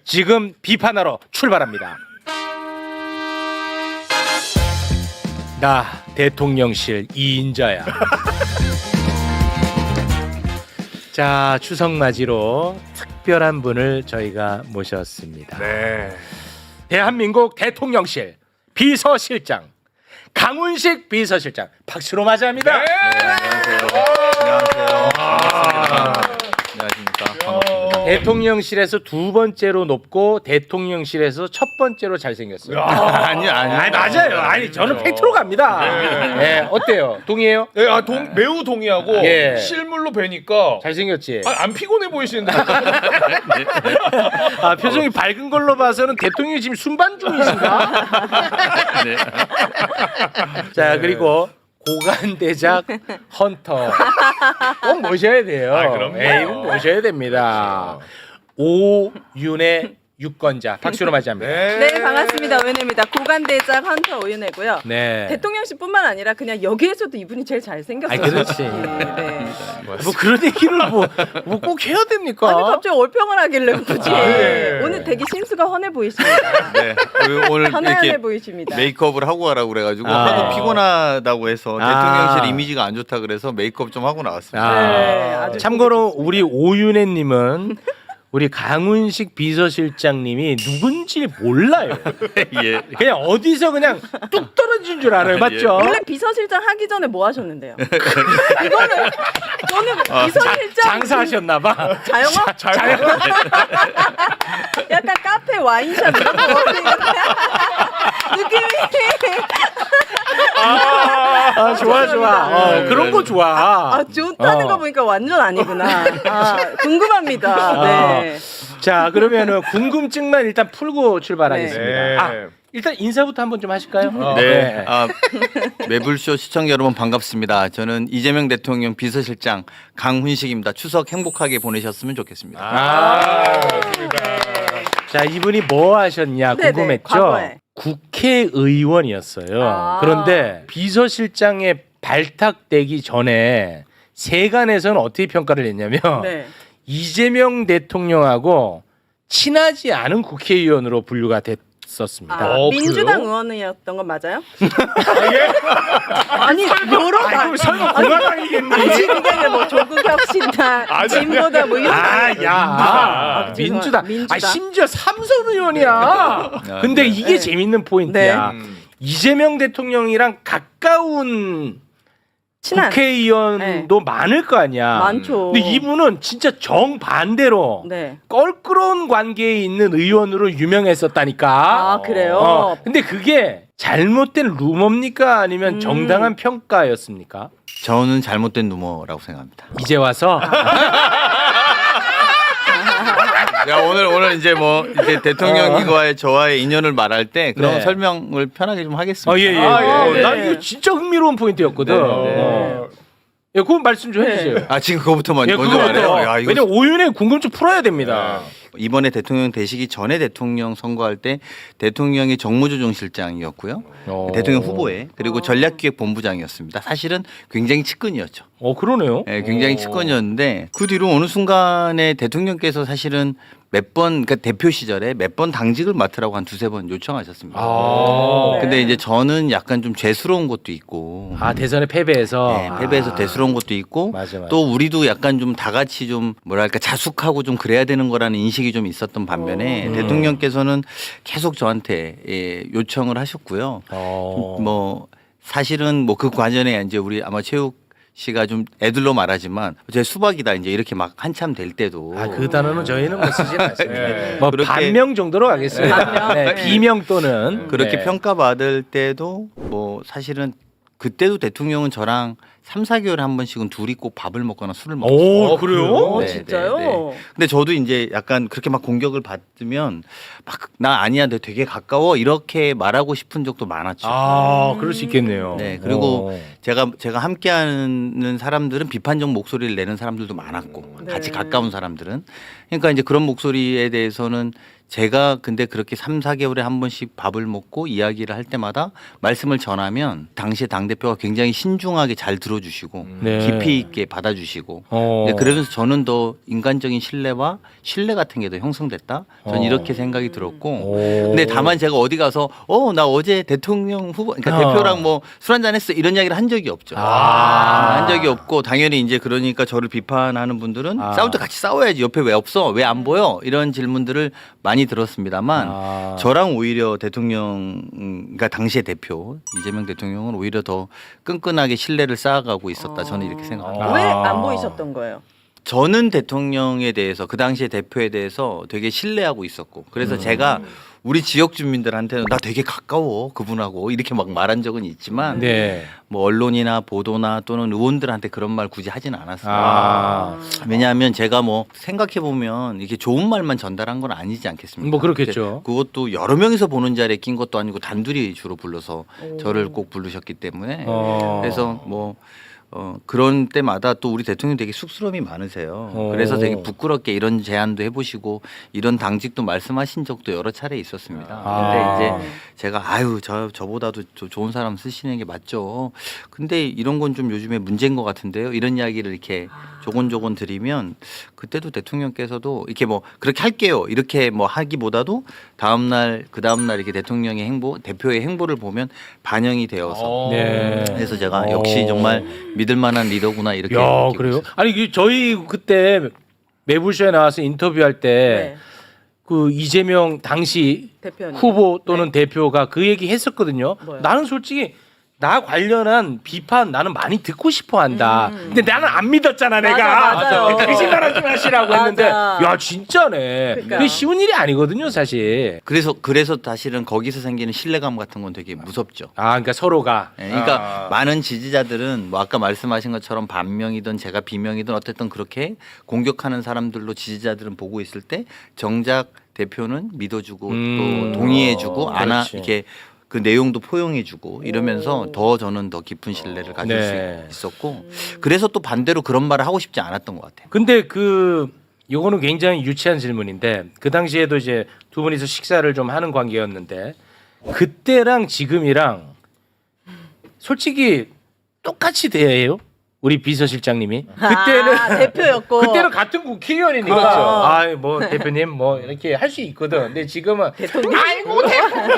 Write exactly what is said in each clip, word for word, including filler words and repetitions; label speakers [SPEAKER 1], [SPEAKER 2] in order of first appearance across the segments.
[SPEAKER 1] 지금 비판하러 출발합니다. 나 대통령실 이인자야. 자, 추석 맞이로 특별한 분을 저희가 모셨습니다.
[SPEAKER 2] 네.
[SPEAKER 1] 대한민국 대통령실 비서실장 강훈식 비서실장 박수로 맞이합니다.
[SPEAKER 2] 네.
[SPEAKER 3] 안녕하세요. 안녕하세요. 반갑습니다. 안녕하십니까. 반갑습니다.
[SPEAKER 1] 대통령실에서 두 번째로 높고 대통령실에서 첫 번째로 잘생겼어요.
[SPEAKER 3] 아니요, 아니요.
[SPEAKER 1] 아니, 맞아요. 아니 저는 팩트로 갑니다. 네, 어때요? 동의해요?
[SPEAKER 2] 네, 아, 동, 매우 동의하고
[SPEAKER 1] 예.
[SPEAKER 2] 실물로 뵈니까
[SPEAKER 1] 잘생겼지?
[SPEAKER 2] 아, 안 피곤해 보이시는데.
[SPEAKER 1] 아, 표정이 밝은 걸로 봐서는 대통령이 지금 순반 중이신가?
[SPEAKER 3] 네.
[SPEAKER 1] 자, 그리고 고관대작 헌터 꼭 모셔야 돼요.
[SPEAKER 2] 아, 그럼요.
[SPEAKER 1] 예, 이분 모셔야 됩니다. 오윤의 유권자 박수로 맞이합니다.
[SPEAKER 2] 네.
[SPEAKER 4] 네, 반갑습니다. 오윤혜입니다. 고관대작 헌터 오윤혜고요.
[SPEAKER 1] 네.
[SPEAKER 4] 대통령실뿐만 아니라 그냥 여기에서도 이분이 제일 잘생겼어요.
[SPEAKER 1] 아니, 그렇지.
[SPEAKER 4] 네.
[SPEAKER 1] 뭐 그런 얘기를 뭐 꼭 해야 됩니까?
[SPEAKER 4] 아니 갑자기 얼평을 하길래 굳이
[SPEAKER 2] 네.
[SPEAKER 4] 오늘 되게 신수가 헌해 보이십니다.
[SPEAKER 3] 네. 오늘
[SPEAKER 4] 편안해
[SPEAKER 3] 이렇게
[SPEAKER 4] 보이십니다.
[SPEAKER 3] 메이크업을 하고 가라고 그래가지고
[SPEAKER 1] 아.
[SPEAKER 3] 하도 피곤하다고 해서
[SPEAKER 1] 아.
[SPEAKER 3] 대통령실 이미지가 안 좋다 그래서 메이크업 좀 하고 나왔습니다.
[SPEAKER 1] 아,
[SPEAKER 4] 네, 아주
[SPEAKER 1] 참고로 우리 오윤혜님은 우리 강훈식 비서실장님이 누군지 몰라요.
[SPEAKER 3] 예.
[SPEAKER 1] 그냥 어디서 그냥 뚝 떨어진 줄 알아요, 맞죠?
[SPEAKER 4] 원래 비서실장 하기 전에 뭐 하셨는데요? 이거는 저는 비서실장
[SPEAKER 1] 장사하셨나봐.
[SPEAKER 4] 자영업?
[SPEAKER 1] 자영.
[SPEAKER 4] 약간 카페 와인샵 이런 거 느낌이
[SPEAKER 1] 아, 좋아 좋아. 어,
[SPEAKER 3] 네,
[SPEAKER 1] 그런 거
[SPEAKER 3] 네.
[SPEAKER 1] 좋아.
[SPEAKER 4] 아 좋다는
[SPEAKER 1] 어.
[SPEAKER 4] 거 보니까 완전 아니구나. 아, 궁금합니다. 네.
[SPEAKER 1] 자, 그러면은 궁금증만 일단 풀고 출발하겠습니다.
[SPEAKER 2] 네.
[SPEAKER 1] 아, 일단 인사부터 한번 좀 하실까요?
[SPEAKER 2] 어,
[SPEAKER 3] 네. 아, 매불쇼 시청자 여러분 반갑습니다. 저는 이재명 대통령 비서실장 강훈식입니다. 추석 행복하게 보내셨으면 좋겠습니다.
[SPEAKER 1] 아, 자, 이분이 뭐 하셨냐
[SPEAKER 4] 네네,
[SPEAKER 1] 궁금했죠?
[SPEAKER 4] 과거에.
[SPEAKER 1] 국회의원이었어요.
[SPEAKER 4] 아.
[SPEAKER 1] 그런데 비서실장에 발탁되기 전에 세간에서는 어떻게 평가를 했냐면
[SPEAKER 4] 네.
[SPEAKER 1] 이재명 대통령하고 친하지 않은 국회의원으로 분류가 됐었습니다.
[SPEAKER 4] 아,
[SPEAKER 2] 어,
[SPEAKER 4] 민주당
[SPEAKER 2] 그래요?
[SPEAKER 4] 의원이었던 건 맞아요? 아니 여러
[SPEAKER 1] 아이고,
[SPEAKER 4] 당
[SPEAKER 1] 설마 공화당이겠니?
[SPEAKER 4] 아니 그게 아니라 뭐 조국혁신당,
[SPEAKER 2] 아니,
[SPEAKER 4] 진보다 뭐 이런.
[SPEAKER 1] 아, 야,
[SPEAKER 4] 아,
[SPEAKER 1] 민주당.
[SPEAKER 4] 민주당.
[SPEAKER 1] 아, 심지어 삼선 의원이야. 근데 이게
[SPEAKER 4] 네.
[SPEAKER 1] 재밌는 포인트야.
[SPEAKER 2] 네. 음.
[SPEAKER 1] 이재명 대통령이랑 가까운
[SPEAKER 4] 친한.
[SPEAKER 1] 국회의원도 많을 거 아니야.
[SPEAKER 4] 많죠.
[SPEAKER 1] 근데 이분은 진짜 정반대로
[SPEAKER 4] 네.
[SPEAKER 1] 껄끄러운 관계에 있는 의원으로 유명했었다니까.
[SPEAKER 4] 아 그래요?
[SPEAKER 1] 어, 근데 그게 잘못된 루머입니까? 아니면
[SPEAKER 4] 음.
[SPEAKER 1] 정당한 평가였습니까?
[SPEAKER 3] 저는 잘못된 루머라고 생각합니다.
[SPEAKER 1] 이제 와서
[SPEAKER 3] 야, 오늘 오늘 이제 뭐 이제 대통령과의 저와의 인연을 말할 때 그런
[SPEAKER 1] 네.
[SPEAKER 3] 설명을 편하게 좀 하겠습니다.
[SPEAKER 1] 어, 예, 예.
[SPEAKER 2] 아, 예,
[SPEAKER 1] 어,
[SPEAKER 2] 네.
[SPEAKER 1] 난 이거 진짜 흥미로운 포인트였거든.
[SPEAKER 3] 네, 네.
[SPEAKER 1] 어. 예, 그건 말씀 좀
[SPEAKER 4] 네.
[SPEAKER 1] 해주세요.
[SPEAKER 3] 아 지금 그거부터 먼저,
[SPEAKER 1] 예,
[SPEAKER 3] 먼저
[SPEAKER 1] 그거부터.
[SPEAKER 3] 말해요. 야, 이거
[SPEAKER 1] 왜냐면 오윤의 궁금증 풀어야 됩니다.
[SPEAKER 3] 이번에 대통령 되시기 전에 대통령 선거할 때 대통령이 정무조정실장이었고요.
[SPEAKER 1] 어.
[SPEAKER 3] 대통령 후보에 그리고 전략기획본부장이었습니다. 사실은 굉장히 측근이었죠.
[SPEAKER 1] 어, 그러네요.
[SPEAKER 3] 네, 굉장히
[SPEAKER 1] 어.
[SPEAKER 3] 측근이었는데 그 뒤로 어느 순간에 대통령께서 사실은 몇 번 그러니까 대표 시절에 몇 번 당직을 맡으라고 한 두세 번 요청하셨습니다.
[SPEAKER 1] 아.
[SPEAKER 3] 근데 이제 저는 약간 좀 죄스러운 것도 있고
[SPEAKER 1] 아, 대선에 패배해서.
[SPEAKER 3] 네, 패배해서
[SPEAKER 1] 아.
[SPEAKER 3] 대수로운 것도 있고
[SPEAKER 1] 맞아, 맞아.
[SPEAKER 3] 또 우리도 약간 좀 다 같이 좀 뭐랄까 자숙하고 좀 그래야 되는 거라는 인식이 좀 있었던 반면에
[SPEAKER 1] 음.
[SPEAKER 3] 대통령께서는 계속 저한테 예, 요청을 하셨고요.
[SPEAKER 1] 어.
[SPEAKER 3] 뭐 사실은 뭐 그 과정에 이제 우리 아마 체육 씨가 좀 애들로 말하지만 제 수박이다 이제 이렇게 막 한참 될 때도
[SPEAKER 1] 아, 그 단어는 저희는 뭐 쓰지 않습니다.
[SPEAKER 2] 네.
[SPEAKER 1] 뭐
[SPEAKER 3] 그렇게-
[SPEAKER 1] 반명 정도로 가겠습니다.
[SPEAKER 4] 반명?
[SPEAKER 1] 네,
[SPEAKER 4] 네.
[SPEAKER 1] 비명 또는
[SPEAKER 3] 그렇게
[SPEAKER 1] 네.
[SPEAKER 3] 평가받을 때도 뭐 사실은 그때도 대통령은 저랑 삼, 사 개월에 한 번씩은 둘이 꼭 밥을 먹거나 술을 먹었어요.
[SPEAKER 1] 오,
[SPEAKER 2] 어,
[SPEAKER 1] 그래요?
[SPEAKER 4] 어,
[SPEAKER 3] 네,
[SPEAKER 4] 진짜요?
[SPEAKER 3] 네, 네. 근데 저도 이제 약간 그렇게 막 공격을 받으면 막 나 아니야, 너 되게 가까워 이렇게 말하고 싶은 적도 많았죠.
[SPEAKER 1] 아, 그럴 수 있겠네요.
[SPEAKER 3] 네, 그리고
[SPEAKER 1] 어.
[SPEAKER 3] 제가 제가 함께하는 사람들은 비판적 목소리를 내는 사람들도 많았고
[SPEAKER 4] 네.
[SPEAKER 3] 같이 가까운 사람들은 그러니까 이제 그런 목소리에 대해서는 제가 근데 그렇게 삼, 사 개월에 한 번씩 밥을 먹고 이야기를 할 때마다 말씀을 전하면 당시에 당대표가 굉장히 신중하게 잘 들어주시고
[SPEAKER 1] 네.
[SPEAKER 3] 깊이 있게 받아주시고
[SPEAKER 1] 어.
[SPEAKER 3] 네, 그러면서 저는 더 인간적인 신뢰와 신뢰 같은 게 더 형성됐다. 저는
[SPEAKER 1] 어.
[SPEAKER 3] 이렇게 생각이 들었고
[SPEAKER 1] 오.
[SPEAKER 3] 근데 다만 제가 어디 가서 어 나 어제 대통령 후보 그러니까
[SPEAKER 1] 어.
[SPEAKER 3] 대표랑 뭐 술 한잔 했어 이런 이야기를 한 적이 없죠.
[SPEAKER 1] 아.
[SPEAKER 3] 한 적이 없고 당연히 이제 그러니까 저를 비판하는 분들은
[SPEAKER 1] 아.
[SPEAKER 3] 싸울 때 같이 싸워야지 옆에 왜 없어 왜 안 보여 이런 질문들을 많이 들었습니다만
[SPEAKER 1] 아.
[SPEAKER 3] 저랑 오히려 대통령 음, 그러니까 당시의 대표 이재명 대통령은 오히려 더 끈끈하게 신뢰를 쌓아가고 있었다 저는 이렇게 생각합니다.
[SPEAKER 1] 아.
[SPEAKER 4] 왜 안 보이셨던 거예요?
[SPEAKER 3] 저는 대통령에 대해서 그 당시의 대표에 대해서 되게 신뢰하고 있었고 그래서 제가 우리 지역 주민들한테는 나 되게 가까워 그분하고 이렇게 막 말한 적은 있지만
[SPEAKER 1] 네.
[SPEAKER 3] 뭐 언론이나 보도나 또는 의원들한테 그런 말 굳이 하지는 않았어요.
[SPEAKER 1] 아.
[SPEAKER 3] 왜냐하면 제가 뭐 생각해 보면 이게 좋은 말만 전달한 건 아니지 않겠습니까?
[SPEAKER 1] 뭐 그렇겠죠.
[SPEAKER 3] 근데 그것도 여러 명이서 보는 자리에 낀 것도 아니고 단둘이 주로 불러서
[SPEAKER 4] 오.
[SPEAKER 3] 저를 꼭 부르셨기 때문에
[SPEAKER 1] 어.
[SPEAKER 3] 그래서 뭐 어, 그런 때마다 또 우리 대통령 되게 쑥스러움이 많으세요.
[SPEAKER 1] 오.
[SPEAKER 3] 그래서 되게 부끄럽게 이런 제안도 해보시고 이런 당직도 말씀하신 적도 여러 차례 있었습니다.
[SPEAKER 1] 아.
[SPEAKER 3] 근데 이제 제가 아유 저 저보다도 저 좋은 사람 쓰시는 게 맞죠. 근데 이런 건 좀 요즘에 문제인 것 같은데요. 이런 이야기를 이렇게 조곤조곤 드리면 그때도 대통령께서도 이렇게 뭐 그렇게 할게요. 이렇게 뭐 하기보다도 다음 날 그 다음 날 이렇게 대통령의 행보, 대표의 행보를 보면 반영이 되어서
[SPEAKER 2] 어.
[SPEAKER 1] 네.
[SPEAKER 3] 그래서 제가
[SPEAKER 1] 어.
[SPEAKER 3] 역시 정말 믿을 만한 리더구나 이렇게
[SPEAKER 1] 야,
[SPEAKER 3] 느끼고
[SPEAKER 1] 그래요?
[SPEAKER 3] 있어요.
[SPEAKER 1] 아니 그 저희 그때 매불쇼에 나와서 인터뷰할 때
[SPEAKER 4] 네.
[SPEAKER 1] 그 이재명 당시
[SPEAKER 4] 대표님.
[SPEAKER 1] 후보 또는 대표가 그 얘기 했었거든요.
[SPEAKER 4] 뭐요?
[SPEAKER 1] 나는 솔직히 나 관련한 비판 나는 많이 듣고 싶어 한다.
[SPEAKER 4] 음.
[SPEAKER 1] 근데 나는 안 믿었잖아,
[SPEAKER 4] 맞아,
[SPEAKER 1] 내가.
[SPEAKER 4] 맞아요.
[SPEAKER 1] 거짓말 하지 마시라고
[SPEAKER 4] 맞아.
[SPEAKER 1] 했는데 야, 진짜네.
[SPEAKER 4] 그러니까.
[SPEAKER 1] 그게 쉬운 일이 아니거든요, 사실.
[SPEAKER 3] 그래서 그래서 사실은 거기서 생기는 신뢰감 같은 건 되게 무섭죠.
[SPEAKER 1] 아, 그러니까 서로가
[SPEAKER 3] 예, 그러니까
[SPEAKER 2] 아.
[SPEAKER 3] 많은 지지자들은 뭐 아까 말씀하신 것처럼 반명이든 제가 비명이든 어쨌든 그렇게 공격하는 사람들로 지지자들은 보고 있을 때 정작 대표는 믿어주고
[SPEAKER 1] 음.
[SPEAKER 3] 또 동의해주고 안아
[SPEAKER 1] 그렇지.
[SPEAKER 3] 이렇게 그 내용도 포용해주고 이러면서
[SPEAKER 4] 오.
[SPEAKER 3] 더 저는 더 깊은 신뢰를 가질
[SPEAKER 1] 네.
[SPEAKER 3] 수 있었고 그래서 또 반대로 그런 말을 하고 싶지 않았던 것 같아요.
[SPEAKER 1] 근데 그 요거는 굉장히 유치한 질문인데 그 당시에도 이제 두 분이서 식사를 좀 하는 관계였는데 그때랑 지금이랑 솔직히 똑같이 대해요? 우리 비서실장님이 그때는
[SPEAKER 4] 아, 대표였고
[SPEAKER 1] 그때는 같은 국회의원이니까
[SPEAKER 2] 그렇죠.
[SPEAKER 1] 아이 뭐 대표님 뭐 이렇게 할 수 있거든. 근데 지금은
[SPEAKER 4] 대통령.
[SPEAKER 1] 아이고 대통령님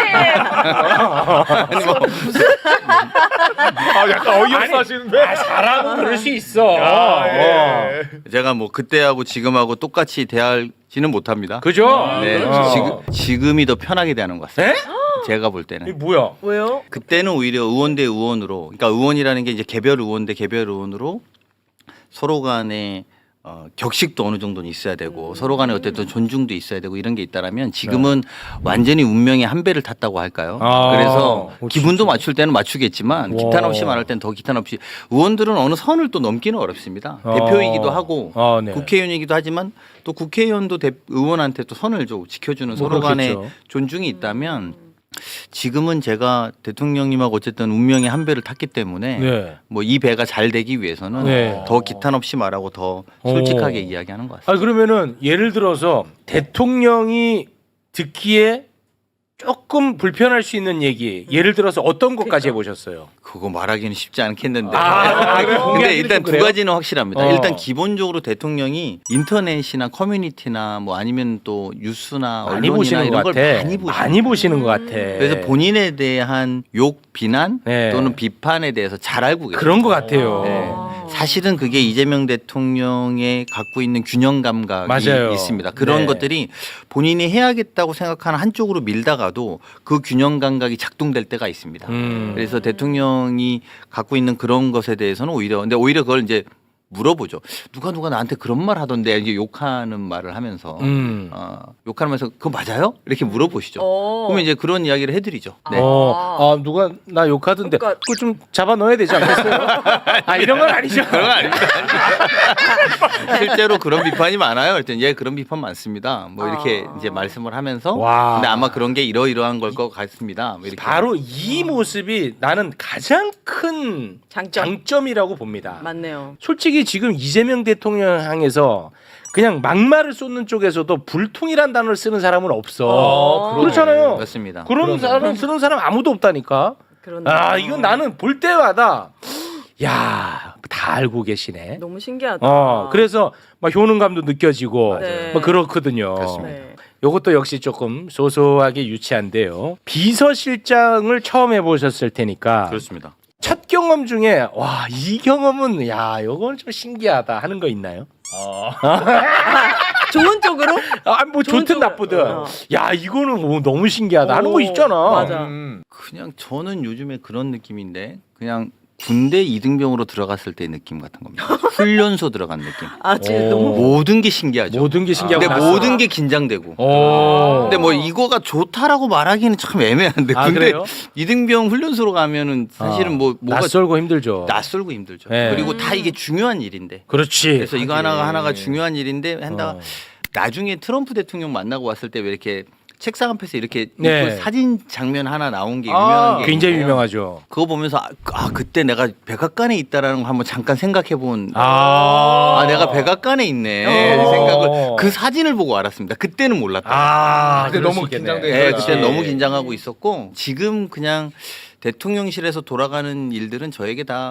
[SPEAKER 2] 아, 약간 어이없어
[SPEAKER 1] 아니,
[SPEAKER 2] 하시는데.
[SPEAKER 1] 아, 사람은 그럴 수 있어.
[SPEAKER 2] 아,
[SPEAKER 1] 어.
[SPEAKER 2] 예.
[SPEAKER 3] 제가 뭐 그때하고 지금하고 똑같이 대할지는 못합니다.
[SPEAKER 1] 그죠?
[SPEAKER 3] 네,
[SPEAKER 1] 어.
[SPEAKER 3] 지금 지금이 더 편하게 대하는 것 같습니다.
[SPEAKER 1] 에?
[SPEAKER 3] 제가 볼
[SPEAKER 1] 이게
[SPEAKER 3] 때는.
[SPEAKER 1] 뭐야?
[SPEAKER 4] 왜요?
[SPEAKER 3] 그때는 오히려 의원 대 의원으로, 그러니까 의원이라는 게 이제 개별 의원 대 개별 의원으로 서로 간에 어, 격식도 어느 정도는 있어야 되고 서로 간에 어쨌든 존중도 있어야 되고 이런 게 있다라면 지금은 완전히 운명의 한 배를 탔다고 할까요?
[SPEAKER 1] 아,
[SPEAKER 3] 그래서
[SPEAKER 1] 오,
[SPEAKER 3] 기분도 맞출 때는 맞추겠지만
[SPEAKER 1] 와.
[SPEAKER 3] 기탄 없이 말할 때는 더 기탄 없이 의원들은 어느 선을 또 넘기는 어렵습니다.
[SPEAKER 1] 어.
[SPEAKER 3] 대표이기도 하고
[SPEAKER 1] 아, 네.
[SPEAKER 3] 국회의원이기도 하지만 또 국회의원도 대, 의원한테 또 선을 좀 지켜주는
[SPEAKER 1] 뭐
[SPEAKER 3] 서로 간의
[SPEAKER 1] 그렇겠죠.
[SPEAKER 3] 존중이 있다면 지금은 제가 대통령님하고 어쨌든 운명의 한 배를 탔기 때문에
[SPEAKER 1] 네.
[SPEAKER 3] 뭐 이 배가 잘 되기 위해서는
[SPEAKER 1] 네.
[SPEAKER 3] 더 기탄 없이 말하고 더 솔직하게
[SPEAKER 1] 오.
[SPEAKER 3] 이야기하는 것 같습니다.
[SPEAKER 1] 아 그러면은 예를 들어서 대통령이 듣기에 조금 불편할 수 있는 얘기 예를 들어서 어떤 것까지 해보셨어요?
[SPEAKER 3] 그거 말하기는 쉽지 않겠는데.
[SPEAKER 1] 아, 아, 그래요?
[SPEAKER 3] 근데
[SPEAKER 1] 공개하기는
[SPEAKER 3] 일단
[SPEAKER 1] 좀
[SPEAKER 3] 두
[SPEAKER 1] 그래요?
[SPEAKER 3] 가지는 확실합니다.
[SPEAKER 1] 어.
[SPEAKER 3] 일단 기본적으로 대통령이 인터넷이나 커뮤니티나 뭐 아니면 또 뉴스나
[SPEAKER 1] 많이
[SPEAKER 3] 언론이나
[SPEAKER 1] 보시는
[SPEAKER 3] 이런
[SPEAKER 1] 것
[SPEAKER 3] 걸
[SPEAKER 1] 같아.
[SPEAKER 3] 많이 보시는
[SPEAKER 1] 많이 보시는 것 같아.
[SPEAKER 3] 그래서 본인에 대한 욕, 비난
[SPEAKER 1] 네.
[SPEAKER 3] 또는 비판에 대해서 잘 알고 계세요.
[SPEAKER 1] 그런 것 같아요.
[SPEAKER 3] 네. 사실은 그게 이재명 대통령의 갖고 있는 균형 감각이
[SPEAKER 1] 맞아요.
[SPEAKER 3] 있습니다. 그런
[SPEAKER 1] 네.
[SPEAKER 3] 것들이 본인이 해야겠다고 생각하는 한쪽으로 밀다가도 그 균형 감각이 작동될 때가 있습니다.
[SPEAKER 1] 음.
[SPEAKER 3] 그래서 대통령이 갖고 있는 그런 것에 대해서는 오히려 근데 오히려 그걸 이제 물어보죠. 누가 누가 나한테 그런 말 하던데 이제 욕하는 말을 하면서
[SPEAKER 1] 음.
[SPEAKER 3] 어, 욕하면서 그거 맞아요? 이렇게 물어보시죠.
[SPEAKER 4] 어.
[SPEAKER 3] 그러면 이제 그런 이야기를 해드리죠. 네.
[SPEAKER 1] 어, 아 누가 나 욕하던데
[SPEAKER 4] 그러니까-
[SPEAKER 1] 그거 좀 잡아 넣어야 되지 않겠어요? 아 이런 건 아니죠.
[SPEAKER 3] 그런 건 아닙니다. 실제로 그런 비판이 많아요. 그랬더니 예 그런 비판 많습니다. 뭐 이렇게
[SPEAKER 4] 아.
[SPEAKER 3] 이제 말씀을 하면서
[SPEAKER 1] 와.
[SPEAKER 3] 근데 아마 그런 게 이러이러한 걸 것 같습니다. 뭐 이렇게.
[SPEAKER 1] 바로 이 모습이 나는 가장 큰
[SPEAKER 4] 장점.
[SPEAKER 1] 장점이라고 봅니다.
[SPEAKER 4] 맞네요.
[SPEAKER 1] 솔직히 지금 이재명 대통령 향해서 그냥 막말을 쏟는 쪽에서도 불통이란 단어를 쓰는 사람은 없어.
[SPEAKER 2] 어, 그러네.
[SPEAKER 1] 그렇잖아요.
[SPEAKER 3] 맞습니다.
[SPEAKER 1] 그런
[SPEAKER 2] 그러네.
[SPEAKER 1] 사람 쓰는 사람 아무도 없다니까.
[SPEAKER 4] 그런데
[SPEAKER 1] 아 이건 나는 볼 때마다 야 다 알고 계시네.
[SPEAKER 4] 너무 신기하다.
[SPEAKER 1] 어 그래서 막 효능감도 느껴지고
[SPEAKER 4] 네.
[SPEAKER 1] 막 그렇거든요.
[SPEAKER 4] 네.
[SPEAKER 1] 요것도 역시 조금 소소하게 유치한데요. 비서실장을 처음 해보셨을 테니까
[SPEAKER 3] 그렇습니다.
[SPEAKER 1] 첫 경험 중에 와 이 경험은 야 요건 좀 신기하다 하는 거 있나요?
[SPEAKER 4] 좋은 쪽으로?
[SPEAKER 1] 아뭐
[SPEAKER 4] 좋은
[SPEAKER 1] 좋든
[SPEAKER 4] 쪽으로.
[SPEAKER 1] 나쁘든
[SPEAKER 4] 어.
[SPEAKER 1] 야 이거는 뭐 너무 신기하다 하는 거
[SPEAKER 4] 오,
[SPEAKER 1] 있잖아.
[SPEAKER 4] 맞아.
[SPEAKER 2] 음.
[SPEAKER 3] 그냥 저는 요즘에 그런 느낌인데 그냥 군대 이등병으로 들어갔을 때 느낌 같은 겁니다. 훈련소 들어간 느낌.
[SPEAKER 4] 아 지금
[SPEAKER 1] 오.
[SPEAKER 4] 너무
[SPEAKER 3] 모든 게 신기하죠.
[SPEAKER 1] 모든 게 신기하고
[SPEAKER 3] 근데
[SPEAKER 1] 낯설어.
[SPEAKER 3] 모든 게 긴장되고.
[SPEAKER 1] 오.
[SPEAKER 3] 근데 뭐 이거가 좋다라고 말하기는 참 애매한데
[SPEAKER 1] 아,
[SPEAKER 3] 근데
[SPEAKER 1] 그래요?
[SPEAKER 3] 이등병 훈련소로 가면은 사실은
[SPEAKER 1] 어.
[SPEAKER 3] 뭐 뭐가
[SPEAKER 1] 낯설고 힘들죠.
[SPEAKER 3] 낯설고 힘들죠.
[SPEAKER 1] 네.
[SPEAKER 3] 그리고 다 이게 중요한 일인데.
[SPEAKER 1] 그렇지.
[SPEAKER 3] 그래서 이거
[SPEAKER 2] 하긴.
[SPEAKER 3] 하나가 하나가 중요한 일인데 한다.
[SPEAKER 1] 어.
[SPEAKER 3] 나중에 트럼프 대통령 만나고 왔을 때 왜 이렇게 책상 앞에서 이렇게
[SPEAKER 1] 네.
[SPEAKER 3] 있고 사진 장면 하나 나온 게
[SPEAKER 2] 아,
[SPEAKER 3] 유명한 게
[SPEAKER 1] 굉장히
[SPEAKER 3] 있는데요.
[SPEAKER 1] 유명하죠.
[SPEAKER 3] 그거 보면서 아, 아, 그때 내가 백악관에 있다라는 거 한번 잠깐 생각해 본.
[SPEAKER 1] 아,
[SPEAKER 3] 아, 내가 백악관에 있네.
[SPEAKER 1] 어.
[SPEAKER 3] 생각을 그 사진을 보고 알았습니다. 그때는 몰랐다.
[SPEAKER 1] 아,
[SPEAKER 2] 그때
[SPEAKER 1] 그럴
[SPEAKER 2] 너무
[SPEAKER 1] 수 있겠네.
[SPEAKER 2] 긴장돼
[SPEAKER 3] 네,
[SPEAKER 2] 그렇지.
[SPEAKER 3] 그때 너무 긴장하고 있었고 지금 그냥 대통령실에서 돌아가는 일들은 저에게 다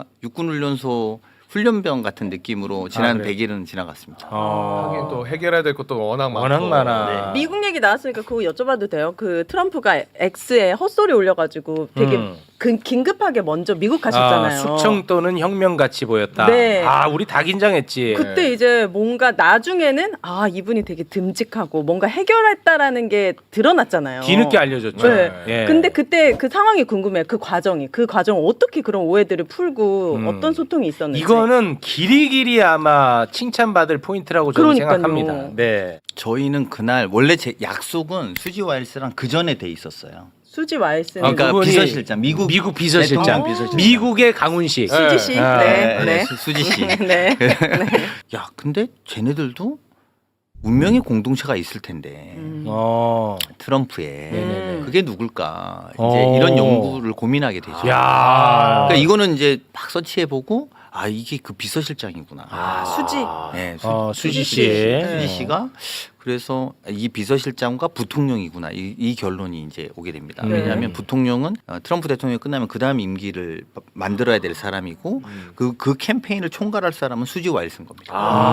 [SPEAKER 3] 육군훈련소 훈련병 같은 느낌으로 지난
[SPEAKER 1] 아, 그래요?
[SPEAKER 3] 백 일은 지나갔습니다.
[SPEAKER 1] 어.
[SPEAKER 2] 하긴 또 해결해야 될 것도 워낙 많고.
[SPEAKER 1] 워낙 많아.
[SPEAKER 4] 미국 얘기 나왔으니까 그거 여쭤봐도 돼요? 그 트럼프가 X에 헛소리 올려가지고 되게
[SPEAKER 1] 음.
[SPEAKER 4] 그, 긴급하게 먼저 미국 가셨잖아요.
[SPEAKER 1] 아, 숙청 또는 혁명 같이 보였다.
[SPEAKER 4] 네.
[SPEAKER 1] 아, 우리 다 긴장했지.
[SPEAKER 4] 그때 이제 뭔가 나중에는 아 이분이 되게 듬직하고 뭔가 해결했다라는 게 드러났잖아요.
[SPEAKER 1] 뒤늦게 알려줬죠.
[SPEAKER 4] 네.
[SPEAKER 1] 예.
[SPEAKER 4] 근데 그때 그 상황이 궁금해요. 그 과정이 그 과정 어떻게 그런 오해들을 풀고
[SPEAKER 1] 음.
[SPEAKER 4] 어떤 소통이 있었는지.
[SPEAKER 1] 이거는 길이길이 아마 칭찬받을 포인트라고 저는
[SPEAKER 4] 그러니까요.
[SPEAKER 1] 생각합니다. 네.
[SPEAKER 3] 저희는 그날 원래 제 약속은 수지 와일스랑 그 전에 돼 있었어요.
[SPEAKER 4] 수지 와일스는
[SPEAKER 1] 아,
[SPEAKER 3] 그러니까
[SPEAKER 1] 그분이
[SPEAKER 3] 비서실장 미국
[SPEAKER 1] 미국 비서실장,
[SPEAKER 3] 대통령 비서실장.
[SPEAKER 1] 미국의 강훈식.
[SPEAKER 4] 수지 씨.
[SPEAKER 1] 아,
[SPEAKER 4] 네.
[SPEAKER 3] 네,
[SPEAKER 4] 네.
[SPEAKER 3] 수- 수지 씨.
[SPEAKER 4] 네.
[SPEAKER 3] 야, 근데 쟤네들도 운명의 공동체가 있을 텐데
[SPEAKER 4] 음.
[SPEAKER 1] 어.
[SPEAKER 3] 트럼프에
[SPEAKER 1] 네네네.
[SPEAKER 3] 그게 누굴까 이제
[SPEAKER 1] 어.
[SPEAKER 3] 이런 연구를 고민하게 되죠.
[SPEAKER 1] 야.
[SPEAKER 3] 그러니까 이거는 이제 막 서치해보고 아 이게 그 비서실장이구나.
[SPEAKER 4] 아 수지.
[SPEAKER 3] 네, 수,
[SPEAKER 1] 어, 수지 씨.
[SPEAKER 4] 네.
[SPEAKER 3] 수지 씨가 그래서 이 비서실장과 부통령이구나 이, 이 결론이 이제 오게 됩니다.
[SPEAKER 1] 네.
[SPEAKER 3] 왜냐하면 부통령은 어, 트럼프 대통령이 끝나면 그 다음 임기를 만들어야 될 사람이고 그, 그 캠페인을 총괄할 사람은 수지 와일스인 겁니다.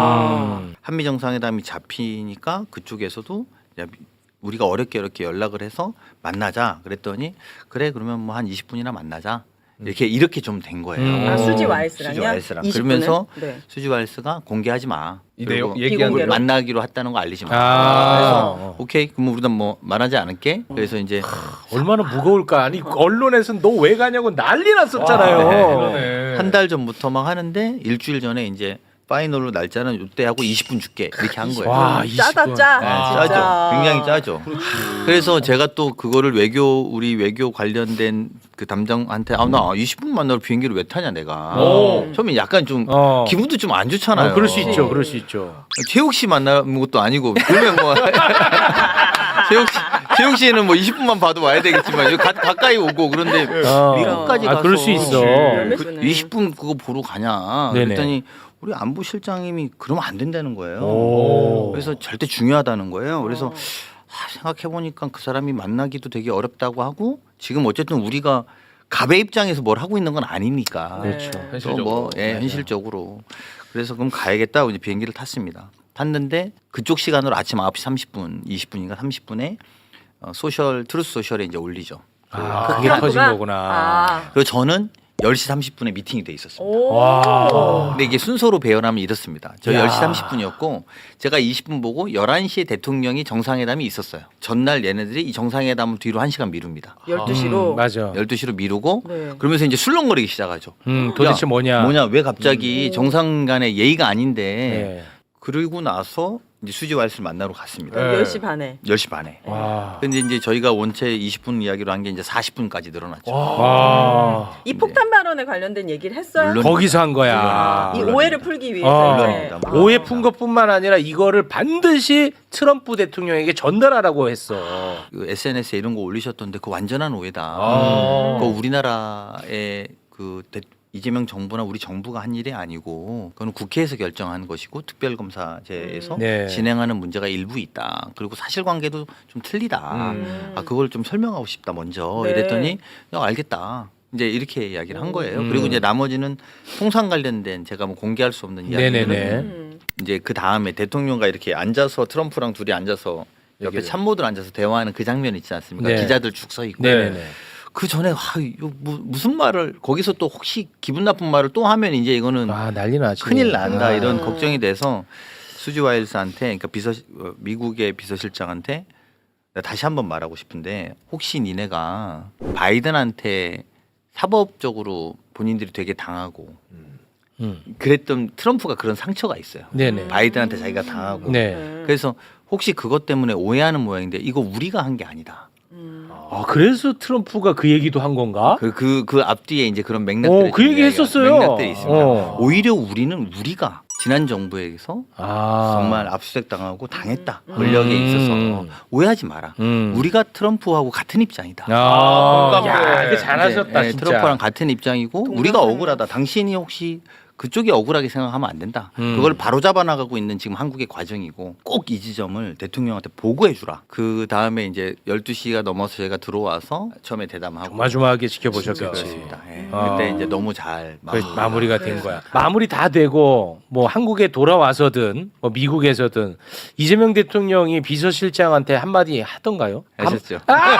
[SPEAKER 1] 아.
[SPEAKER 3] 한미 정상회담이 잡히니까 그쪽에서도 야, 우리가 어렵게 어렵게 연락을 해서 만나자 그랬더니 그래 그러면 뭐 한 이십 분이나 만나자 이렇게 이렇게 좀 된 거예요.
[SPEAKER 1] 음.
[SPEAKER 4] 아 수지 와일스랑요?
[SPEAKER 3] 수지 와일스랑
[SPEAKER 4] 이십 분은?
[SPEAKER 3] 그러면서
[SPEAKER 4] 네.
[SPEAKER 3] 수지 와일스가 공개하지 마.
[SPEAKER 2] 이
[SPEAKER 3] 그리고
[SPEAKER 2] 내용 얘기한
[SPEAKER 4] 비공개로?
[SPEAKER 2] 대로.
[SPEAKER 3] 만나기로 했다는 거 알리지 마.
[SPEAKER 1] 아.
[SPEAKER 3] 그래서 오케이 그럼 우리는 뭐 말하지 않을게. 그래서 이제
[SPEAKER 1] 얼마나 무거울까. 아니 언론에서는 너 왜 가냐고 난리 났었잖아요.
[SPEAKER 3] 와, 네.
[SPEAKER 2] 그러네.
[SPEAKER 3] 한 달 전부터 막 하는데 일주일 전에 이제 파이널로 날짜는 이때 하고 이십 분 줄게 이렇게 한 거예요.
[SPEAKER 1] 와,
[SPEAKER 4] 짜다
[SPEAKER 1] 이십 분.
[SPEAKER 4] 짜.
[SPEAKER 3] 네,
[SPEAKER 4] 진짜.
[SPEAKER 3] 짜죠. 굉장히 짜죠. 그래서 제가 또 그거를 외교 우리 외교 관련된 그 담당한테 아나 이십 분 만나러 비행기를 왜 타냐 내가.
[SPEAKER 2] 오.
[SPEAKER 3] 처음에 약간 좀
[SPEAKER 1] 어.
[SPEAKER 3] 기분도 좀 안 좋잖아요.
[SPEAKER 1] 어, 그럴 수 있죠. 그럴 수 있죠.
[SPEAKER 3] 최욱 씨 만나는 것도 아니고 그러면 뭐 최욱 씨 최욱 씨는 뭐 이십 분만 봐도 와야 되겠지만 여기 가, 가까이 오고 그런데
[SPEAKER 1] 어.
[SPEAKER 3] 미국까지
[SPEAKER 1] 아,
[SPEAKER 3] 가서
[SPEAKER 1] 그럴 수 있어.
[SPEAKER 3] 그 이십 분 그거 보러 가냐
[SPEAKER 1] 네네.
[SPEAKER 3] 그랬더니 우리 안보 실장님이 그러면 안 된다는 거예요.
[SPEAKER 1] 오.
[SPEAKER 3] 그래서 절대 중요하다는 거예요. 그래서 아, 생각해 보니까 그 사람이 만나기도 되게 어렵다고 하고 지금 어쨌든 우리가 갑의 입장에서 뭘 하고 있는 건 아니니까.
[SPEAKER 1] 그렇죠.
[SPEAKER 3] 또
[SPEAKER 2] 현실적으로.
[SPEAKER 3] 뭐 예, 현실적으로. 그래서 그럼 가야겠다. 이제 비행기를 탔습니다. 탔는데 그쪽 시간으로 아침 아홉 시 삼십 분, 이십 분인가 삼십 분에 어, 소셜 트루스 소셜에 이제 올리죠.
[SPEAKER 1] 아,
[SPEAKER 4] 그
[SPEAKER 1] 그게
[SPEAKER 4] 트럼프가?
[SPEAKER 1] 터진 거구나.
[SPEAKER 4] 아.
[SPEAKER 3] 그리고 저는 열 시 삼십 분에 미팅이 돼 있었습니다.
[SPEAKER 4] 오.
[SPEAKER 1] 와.
[SPEAKER 3] 근데 이게 순서로 배열하면 이렇습니다. 저
[SPEAKER 1] 야.
[SPEAKER 3] 열 시 삼십 분이었고 제가 이십 분 보고 열한 시에 대통령이 정상회담이 있었어요. 전날 얘네들이 이 정상회담을 뒤로 한 시간 미룹니다.
[SPEAKER 4] 열두 시로.
[SPEAKER 1] 음, 맞아.
[SPEAKER 3] 열두 시로 미루고
[SPEAKER 4] 네.
[SPEAKER 3] 그러면서 이제 술렁거리기 시작하죠.
[SPEAKER 1] 음, 도대체
[SPEAKER 3] 야,
[SPEAKER 1] 뭐냐?
[SPEAKER 3] 뭐냐 왜 갑자기 정상 간의 예의가 아닌데
[SPEAKER 1] 네.
[SPEAKER 3] 그러고 나서 이제 수지 와일스를 만나러 갔습니다.
[SPEAKER 2] 네.
[SPEAKER 4] 열 시 반에.
[SPEAKER 3] 열 시 반에.
[SPEAKER 1] 와.
[SPEAKER 3] 근데 이제 저희가 원체 이십 분 이야기로 한 게 이제 사십 분까지 늘어났죠.
[SPEAKER 1] 와.
[SPEAKER 4] 이 폭탄 발언에 관련된 얘기를 했어요?
[SPEAKER 3] 물론
[SPEAKER 1] 거기서 한 거야.
[SPEAKER 4] 아, 이 오해를 풀기 위해서
[SPEAKER 1] 어.
[SPEAKER 4] 이제.
[SPEAKER 3] 물론입니다.
[SPEAKER 4] 아.
[SPEAKER 1] 오해 푼 것뿐만 아니라 이거를 반드시 트럼프 대통령에게 전달하라고 했어.
[SPEAKER 3] 그 에스엔에스에 이런 거 올리셨던데 그 완전한 오해다.
[SPEAKER 2] 아.
[SPEAKER 3] 그 우리나라의 그 대, 이재명 정부나 우리 정부가 한 일이 아니고 그건 국회에서 결정하는 것이고 특별검사제에서
[SPEAKER 1] 네.
[SPEAKER 3] 진행하는 문제가 일부 있다. 그리고 사실관계도 좀 틀리다.
[SPEAKER 2] 음.
[SPEAKER 3] 아 그걸 좀 설명하고 싶다 먼저
[SPEAKER 4] 네.
[SPEAKER 3] 이랬더니 야, 알겠다. 이제 이렇게 이야기를 한 거예요.
[SPEAKER 1] 음.
[SPEAKER 3] 그리고 이제 나머지는 통상 관련된 제가 뭐 공개할 수 없는 이야기는
[SPEAKER 1] 네네네.
[SPEAKER 4] 음.
[SPEAKER 3] 이제 그 다음에 대통령과 이렇게 앉아서 트럼프랑 둘이 앉아서 옆에
[SPEAKER 1] 얘기를.
[SPEAKER 3] 참모들 앉아서 대화하는 그 장면 있지 않습니까?
[SPEAKER 1] 네.
[SPEAKER 3] 기자들 쭉 서 있고.
[SPEAKER 1] 네네네.
[SPEAKER 3] 그 전에 와, 이거 뭐, 무슨 말을 거기서 또 혹시 기분 나쁜 말을 또 하면 이제 이거는
[SPEAKER 1] 아 난리 나지.
[SPEAKER 3] 큰일 난다
[SPEAKER 1] 아.
[SPEAKER 3] 이런
[SPEAKER 4] 음.
[SPEAKER 3] 걱정이 돼서 수지 와일스한테 그러니까 비서 어, 미국의 비서실장한테 내가 다시 한번 말하고 싶은데 혹시 니네가 바이든한테 사법적으로 본인들이 되게 당하고
[SPEAKER 1] 음.
[SPEAKER 3] 그랬던 트럼프가 그런 상처가 있어요.
[SPEAKER 1] 네네.
[SPEAKER 3] 바이든한테 자기가 당하고
[SPEAKER 1] 네.
[SPEAKER 3] 그래서 혹시 그것 때문에 오해하는 모양인데 이거 우리가 한 게 아니다.
[SPEAKER 4] 음.
[SPEAKER 1] 아 그래서 트럼프가 그 얘기도 한 건가?
[SPEAKER 3] 그 그 그 앞뒤에 이제 그런 맥락들이
[SPEAKER 1] 어, 그 얘기 했었어요.
[SPEAKER 3] 맥락들이 있습니다.
[SPEAKER 1] 어.
[SPEAKER 3] 오히려 우리는 우리가 지난 정부에서
[SPEAKER 1] 아
[SPEAKER 3] 정말 압수수색 당하고 당했다. 권력에
[SPEAKER 1] 음.
[SPEAKER 3] 있어서 오해하지 마라.
[SPEAKER 1] 음.
[SPEAKER 3] 우리가 트럼프하고 같은 입장이다.
[SPEAKER 1] 아,
[SPEAKER 2] 공감돼.
[SPEAKER 1] 야, 그 잘하셨다
[SPEAKER 3] 네,
[SPEAKER 1] 진짜.
[SPEAKER 3] 트럼프랑 같은 입장이고
[SPEAKER 4] 동감하네.
[SPEAKER 3] 우리가 억울하다. 당신이 혹시 그쪽이 억울하게 생각하면 안 된다.
[SPEAKER 1] 음.
[SPEAKER 3] 그걸 바로 잡아 나가고 있는 지금 한국의 과정이고 꼭 이 지점을 대통령한테 보고해 주라. 그 다음에 이제 열두 시가 넘어서 제가 들어와서 처음에 대담하고
[SPEAKER 1] 조마조마하게 지켜보셨겠지.
[SPEAKER 3] 그렇습니다. 예.
[SPEAKER 1] 아.
[SPEAKER 3] 그때 이제 너무 잘
[SPEAKER 1] 그
[SPEAKER 3] 마무리가
[SPEAKER 1] 마무리가 된 거야. 마무리 다 되고 뭐 한국에 돌아와서든 뭐 미국에서든 이재명 대통령이 비서실장한테 한마디 하던가요?
[SPEAKER 3] 하셨죠.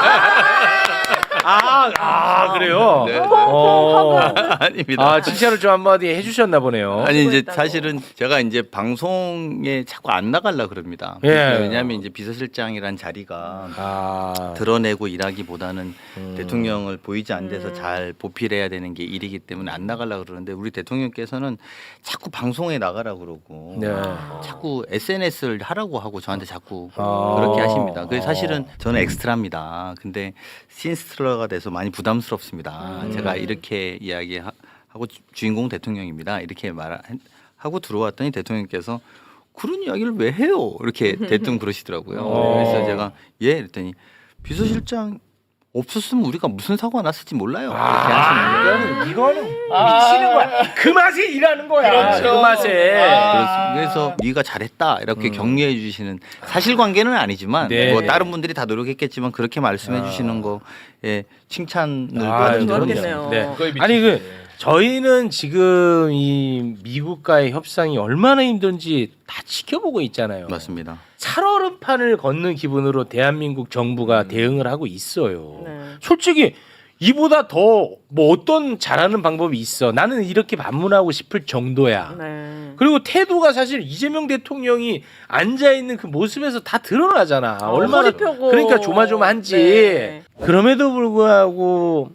[SPEAKER 1] 아, 아 그래요.
[SPEAKER 3] 네.
[SPEAKER 1] 어.
[SPEAKER 3] 아닙니다.
[SPEAKER 1] 아 칭찬을 좀 한마디 해주셨나 보네요.
[SPEAKER 3] 아니 이제
[SPEAKER 4] 수고했다고.
[SPEAKER 3] 사실은 제가 이제 방송에 자꾸 안 나가려 그럽니다.
[SPEAKER 1] 예.
[SPEAKER 3] 왜냐하면 이제 비서실장이란 자리가
[SPEAKER 1] 아
[SPEAKER 3] 드러내고 일하기보다는
[SPEAKER 1] 음.
[SPEAKER 3] 대통령을 보이지 않는 데서
[SPEAKER 4] 음.
[SPEAKER 3] 잘 보필해야 되는 게 일이기 때문에 안 나가려 그러는데 우리 대통령께서는 자꾸 방송에 나가라 그러고
[SPEAKER 1] 네.
[SPEAKER 3] 자꾸 에스엔에스를 하라고 하고 저한테 자꾸
[SPEAKER 1] 아.
[SPEAKER 3] 그렇게 하십니다. 그래서 사실은 저는 엑스트라입니다. 근데 신스트라가 돼서 많이 부담스럽습니다.
[SPEAKER 4] 음.
[SPEAKER 3] 제가 이렇게 이야기하고 주- 주인공 대통령입니다. 이렇게 말하고 들어왔더니 대통령께서 그런 이야기를 왜 해요? 이렇게 대뜸 그러시더라고요.
[SPEAKER 1] 어.
[SPEAKER 3] 그래서 제가 예 그랬더니 비서실장 없었으면 우리가 무슨 사고가 났을지 몰라요. 이렇게 하시는 거예요.
[SPEAKER 1] 이거는 이거는 미치는 거야. 그 맛에 일하는 거야.
[SPEAKER 2] 그렇죠.
[SPEAKER 1] 그 맛에.
[SPEAKER 3] 그래서, 그래서 네가 잘했다 이렇게
[SPEAKER 1] 음.
[SPEAKER 3] 격려해 주시는 사실관계는 아니지만
[SPEAKER 1] 네.
[SPEAKER 3] 뭐 다른 분들이 다 노력했겠지만 그렇게 말씀해
[SPEAKER 1] 아.
[SPEAKER 3] 주시는 거에 칭찬을
[SPEAKER 1] 아,
[SPEAKER 3] 받은 적은
[SPEAKER 4] 좋았겠네요.
[SPEAKER 3] 있습니다.
[SPEAKER 1] 네.
[SPEAKER 2] 그거에
[SPEAKER 1] 아니 그
[SPEAKER 2] 미치지.
[SPEAKER 1] 저희는 지금 이 미국과의 협상이 얼마나 힘든지 다 지켜보고 있잖아요.
[SPEAKER 3] 맞습니다.
[SPEAKER 1] 살얼음판을 걷는 기분으로 대한민국 정부가 대응을 하고 있어요.
[SPEAKER 4] 네.
[SPEAKER 1] 솔직히 이보다 더 뭐 어떤 잘하는 방법이 있어. 나는 이렇게 반문하고 싶을 정도야.
[SPEAKER 4] 네.
[SPEAKER 1] 그리고 태도가 사실 이재명 대통령이 앉아 있는 그 모습에서 다 드러나잖아.
[SPEAKER 4] 어,
[SPEAKER 1] 얼마나
[SPEAKER 4] 허리 펴고.
[SPEAKER 1] 그러니까 조마조마한지.
[SPEAKER 4] 네.
[SPEAKER 1] 그럼에도 불구하고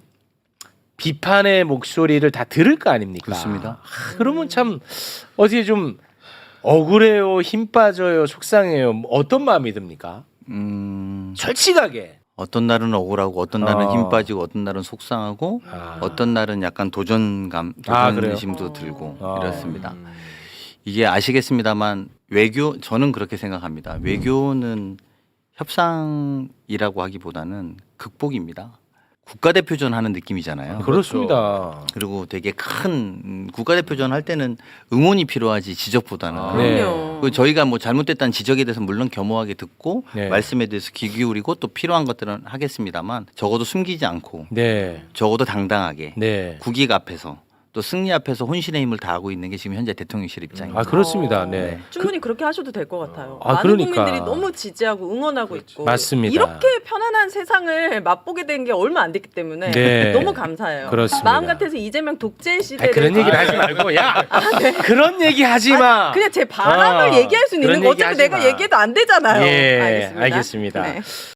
[SPEAKER 1] 비판의 목소리를 다 들을 거 아닙니까?
[SPEAKER 3] 그렇습니다.
[SPEAKER 1] 아, 그러면 참 어떻게 좀 억울해요, 힘 빠져요, 속상해요. 뭐 어떤 마음이 듭니까?
[SPEAKER 3] 음,
[SPEAKER 1] 솔직하게.
[SPEAKER 3] 어떤 날은 억울하고 어떤 날은
[SPEAKER 1] 어.
[SPEAKER 3] 힘 빠지고 어떤 날은 속상하고
[SPEAKER 1] 아.
[SPEAKER 3] 어떤 날은 약간 도전감,
[SPEAKER 1] 아, 그래요?
[SPEAKER 3] 도전심도
[SPEAKER 4] 어.
[SPEAKER 3] 들고
[SPEAKER 1] 어.
[SPEAKER 3] 이렇습니다. 이게 아시겠습니다만 외교 저는 그렇게 생각합니다. 외교는 협상이라고 하기보다는 극복입니다. 국가대표전 하는 느낌이잖아요.
[SPEAKER 1] 그렇습니다.
[SPEAKER 3] 그리고 되게 큰 음, 국가대표전 할 때는 응원이 필요하지 지적보다는.
[SPEAKER 2] 아.
[SPEAKER 1] 네.
[SPEAKER 4] 그럼요.
[SPEAKER 3] 그 저희가 뭐 잘못됐다는 지적에 대해서 물론 겸허하게 듣고
[SPEAKER 1] 네.
[SPEAKER 3] 말씀에 대해서 귀 기울이고 또 필요한 것들은 하겠습니다만 적어도 숨기지 않고
[SPEAKER 1] 네.
[SPEAKER 3] 적어도 당당하게
[SPEAKER 1] 네.
[SPEAKER 3] 국익 앞에서 또 승리 앞에서 혼신의 힘을 다하고 있는 게 지금 현재 대통령실 입장입니다.
[SPEAKER 1] 아 그렇습니다.
[SPEAKER 4] 어,
[SPEAKER 1] 네.
[SPEAKER 4] 충분히 그, 렇게 하셔도 될 것 같아요.
[SPEAKER 1] 아,
[SPEAKER 4] 많은
[SPEAKER 1] 그러니까.
[SPEAKER 4] 국민들이 너무 지지하고 응원하고 있고
[SPEAKER 1] 맞습니다.
[SPEAKER 4] 이렇게 편안한 세상을 맛보게 된 게 얼마 안 됐기 때문에
[SPEAKER 1] 네.
[SPEAKER 4] 너무 감사해요.
[SPEAKER 1] 그렇습니다.
[SPEAKER 4] 마음 같아서 이재명 독재
[SPEAKER 1] 아,
[SPEAKER 4] 시대를
[SPEAKER 1] 그런 얘기를 하지 말고 야 그런 얘기 하지 마.
[SPEAKER 4] 그냥 제 바람을
[SPEAKER 1] 어,
[SPEAKER 4] 얘기할 수 있는
[SPEAKER 1] 그런
[SPEAKER 4] 거
[SPEAKER 1] 얘기
[SPEAKER 4] 어차피
[SPEAKER 1] 하지
[SPEAKER 4] 내가
[SPEAKER 1] 마.
[SPEAKER 4] 얘기해도 안 되잖아요.
[SPEAKER 1] 예,
[SPEAKER 4] 알겠습니다.
[SPEAKER 1] 알겠습니다.
[SPEAKER 4] 네.